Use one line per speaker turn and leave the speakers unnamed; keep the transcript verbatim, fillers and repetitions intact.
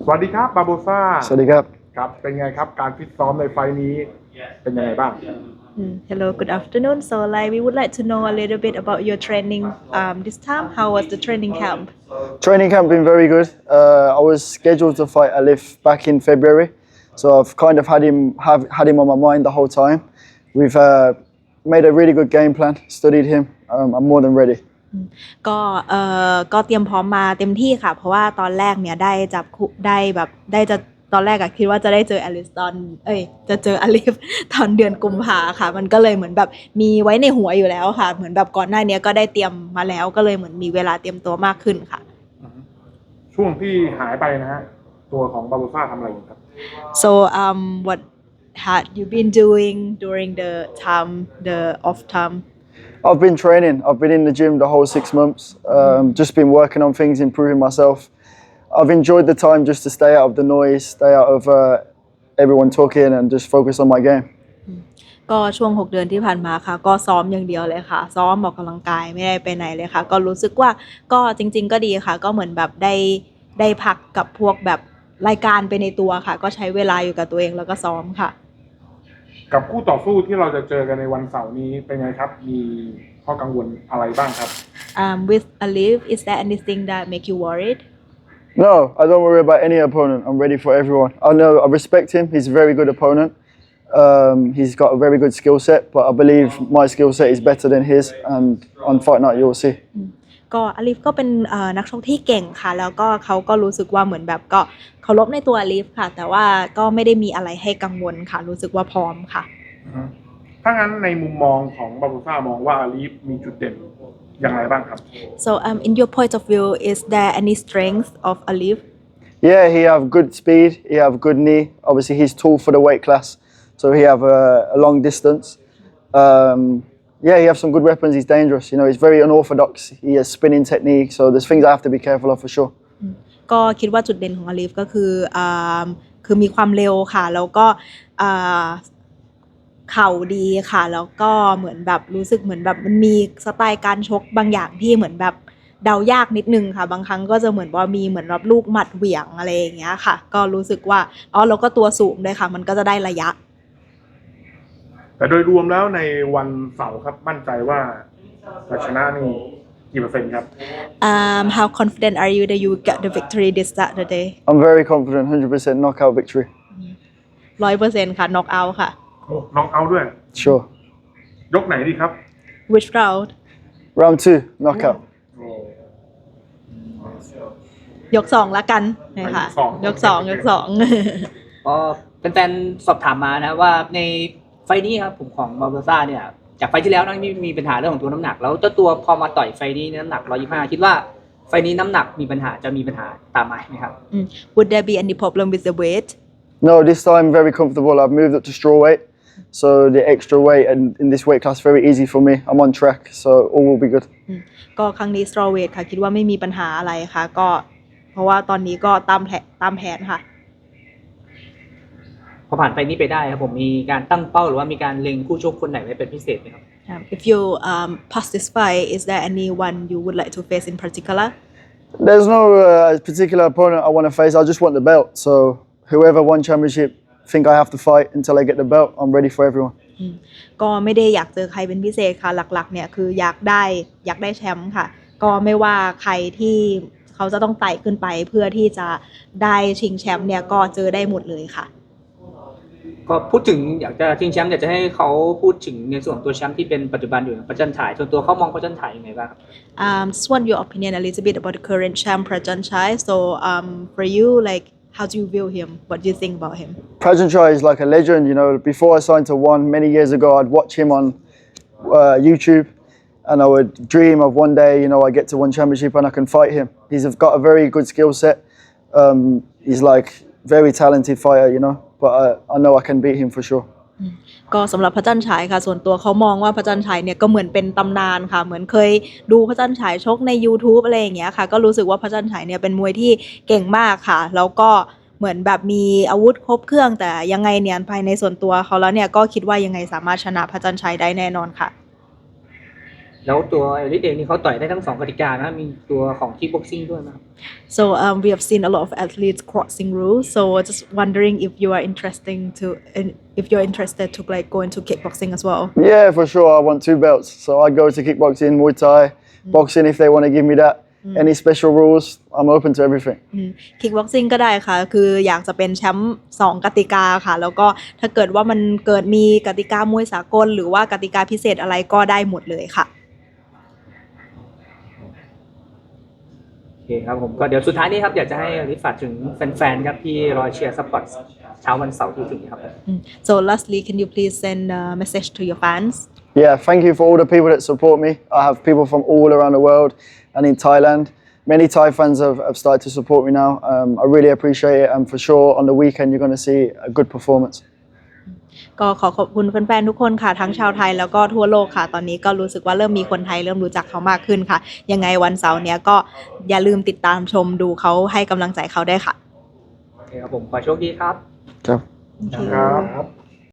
สวัสดีครับบาโบซ่า
สวัสดีครับ
ครับเป็นไงครับการฟิตซ้อมในไฟล์นี้เป็นยังไงบ้าง
Mm, Hello, good afternoon. So, like, we would like to know a little bit about your training um, this time. How was the training camp?
Training camp been very good. Uh, I was scheduled to fight Alif back in February, so I've kind of had him have had him on my mind the whole time. We've uh, made a really good game plan, studied him. Um, I'm more than ready.
ก็เอ่อก็เตรียมพร้อมมาเต็มที่ค่ะเพราะว่าตอนแรกเนี่ยได้จับคู่ได้แบบได้จะตอนแรกอะคิดว่าจะได้เจออลิสตอนเอ้ยจะเจออลิฟตอนเดือนกุมภาค่ะมันก็เลยเหมือนแบบมีไว้ในหัวอยู่แล้วค่ะเหมือนแบบก่อนหน้านี้ก็ได้เตรียมมาแล้วก็เลยเหมือนมีเวลาเตรียมตัวมากขึ้นค่ะ
ช่วงที่หายไปนะฮะตัวของบาโบซ่าทำอะไรอยู่ครับ
So um what had you been doing during the time the off time
I've been training. I've been in the gym the whole six months. Um, just been working on things, improving myself. I've enjoyed the time just to stay out of the noise, stay out of uh, everyone talking, and just focus on my game.
ก็ช่วงหกเดือนที่ผ่านมาค่ะก็ซ้อมอย่างเดียวเลยค่ะซ้อมออกกำลังกายไม่ได้ไปไหนเลยค่ะก็รู้สึกว่าก็จริงๆก็ดีค่ะก็เหมือนแบบได้ได้พักกับพวกแบบรายการไปในตัวค่ะก็ใช้เวลาอยู่กับตัวเองแล้วก็ซ้อมค่ะ
กับคู่ต่อสู้ที่เราจะเจอกันในวันเสาร์นี้เป็นไงครับมีข้อกังวลอะไรบ้างครับ
um, with Alif is there anything that make you worried
No, I don't worry about any opponent. I'm ready for everyone. I know I respect him. He's a very good opponent. Um, he's got a very good skill set, but I believe my skill set is better than his. And on fight night, you'll see.
ก็อลิฟก็เป็นนักชกที่เก่งค่ะแล้วก็เขาก็รู้สึกว่าเหมือนแบบก็เคารพในตัวอลิฟค่ะแต่ว่าก็ไม่ได้มีอะไรให้กังวลค่ะรู้สึกว่าพร้อมค่ะ
ถ้างั้นในมุมมองของบาโบซ่ามองว่าอาลีฟมีจุดเด่นอย่างไรบ้างครับ
So um in your point of view is there any strength of Alif
Yeah, he have good speed. He have good knee. Obviously, he's tall for the weight class, so he have a, a long distance. Um, yeah, he have some good weapons. He's dangerous. You know, he's very unorthodox. He has spinning technique, so there's things I have to be careful of for sure.
ก็คิดว่าจุดเด่นของอลิฟก็คืออ่าคือมีความเร็วค่ะแล้วก็อ่าเข่าดีค่ะแล้วก็เหมือนแบบรู้สึกเหมือนแบบมันมีสไตล์การชกบางอย่างที่เหมือนแบบเดายากนิดนึงค่ะบางครั้งก็จะเหมือนว่ามีเหมือนรับลูกหมัดเหวี่ยงอะไรอย่างเงี้ยค่ะก็รู้สึกว่าอ๋อแล้วก็ตัวสูงด้วยค่ะมันก็จะได้ระยะ
แต่โดยรวมแล้วในวันเสาร์ครับมั่นใจว่าจะชนะนี่กี่เปอร์เซ็นต์ครับ
um how confident are you that you get the victory this Saturday
I'm very confident, one hundred percent knockout victory.
ร้อยเปอร์เซ็นต์ค่ะ knock out ค่ะ
น้องเอาด้วย
Sure.
ยกไหนดีครับ
which round
Round two, knockout.
ยกสองละกันนะคะยกสองยกสอง
ก็เป็นแฟนๆสอบถามมานะว่าในไฟนี้ครับผมของบาโบซ่าเนี่ยจากไฟที่แล้วนะมีมีปัญหาเรื่องของตัวน้ำหนักแล้วเจ้าตัวพอมาต่อยไฟนี้น้ำหนักหนึ่งร้อยยี่สิบห้าคิดว่าไฟนี้น้ำหนักมีปัญหาจะมีปัญหาตามมาไหมครับ
Would there be any problem with the weight
No, this time very comfortable. I've moved up to strawweight, so the extra weight and in this weight class very easy for me. I'm on track, so all will be good.
ก็ครั้งนี้ straw weight ค่ะคิดว่าไม่มีปัญหาอะไรค่ะก็เพราะว่าตอนนี้ก็ตามแผนตามแผนค่ะ
พอผ่านไฟนี้ไปได้ครับผมมีการตั้งเป้าหรือว่ามีการเล็งคู่ชกคนไหนไว้เป็นพิเศษไหมครับ
If you um, pass this fight is there anyone you would like to face in particular
There's no uh, particular opponent I want to face. I just want the belt. So whoever won championship, think I have to fight until I get the belt. I'm ready for everyone.
ก็ไม่ได้อยากเจอใครเป็นพิเศษค่ะหลักๆเนี่ยคืออยากได้อยากได้แชมป์ค่ะก็ไม่ว่าใครที่เขาจะต้องไต่ขึ้นไปเพื่อที่จะได้ชิงแชมป์เนี่ยก็เจอได้หมดเลยค่ะ
ก็พูดถึงอยากจะชิงแชมป์อยากจะให้เขาพูดถึงในส่วนตัวแชมป์ที่เป็นปัจจุบันอยู่ประจันฉายส่วนตัวเขามองประจันฉายยังไงบ้างครับ
um just want your opinion a little bit about the current champ Prajanchai so um for you like how do you view him what do you think about him
Prajanchai is like a legend. You know, before I signed to One many years ago, I'd watch him on uh, YouTube, and I would dream of one day, you know, I get to One Championship and I can fight him. He's got a very good skill set. Um, he's like very talented fighter, you know. But I, I know I can beat him for sure.
ก็สำหรับพระจันทร์ฉายค่ะส่วนตัวเขามองว่าพระจันทร์ฉายเนี่ยก็เหมือนเป็นตำนานค่ะเหมือนเคยดูพระจันทร์ฉายชกใน YouTube อะไรอย่างเงี้ยค่ะก็รู้สึกว่าพระจันทร์ฉายเนี่ยเป็นมวยที่เก่งมากค่ะแล้วก็เหมือนแบบมีอาวุธครบเครื่องแต่ยังไงเนี่ยภายในส่วนตัวเขาแล้วเนี่ยก็คิดว่ายังไงสามารถชนะพระจันทร์ฉายได้แน่นอนค่ะ
แล้วตัวเอลิสเองนี่เขาต่อยได้ทั้งสองกติกานะมีตัวของคิกบ็อกซิ่งด้วยนะครับ
So um, we have seen a lot of athletes crossing rules. So just wondering if you are interesting to if you're interested to like go into kickboxing as well.
Yeah, for sure. I want two belts. So I go to kickboxing, Muay Thai, boxing if they want to give me that. Any special rules, I'm open to everything.
คิกบ็อกซิ่งก็ได้ค่ะ คืออยากจะเป็นแชมป์สองกติกาค่ะ แล้วก็ถ้าเกิดว่ามันเกิดมีกติกามวยสากลหรือว่ากติกาพิเศษอะไรก็ได้หมดเลยค่ะ
โอเคครับผมก็เดี๋ยวสุดท้ายนี้ครับอยากจะให้อลิสฝากถึงแฟนๆครับที่รอเชียร์ซัพพอร์ตเช้าวันเสาร์ที่ถึงนี้ครับ
So lastly, can you please send a message to your fans?
Yeah, thank you for all the people that support me. I have people from all around the world and in Thailand. Many Thai fans have, have started to support me now. Um, I really appreciate it, and for sure on the weekend you're going to see a good performance.
ก็ขอขอบคุณแฟนๆทุกคนค่ะทั้งชาวไทยแล้วก็ทั่วโลกค่ะ ตอนนี้ก็รู้สึกว่าเริ่มมีคนไทยเริ่มรู้จักเขามากขึ้นค่ะ ยังไงวันเสาร์เนี้ยก็อย่าลืมติดตามชมดูเขาให้กำลังใจเขาได้ค่ะ
โอเคครับผมขอโชคดีครับ
Ciao.
Thank you.
ครับ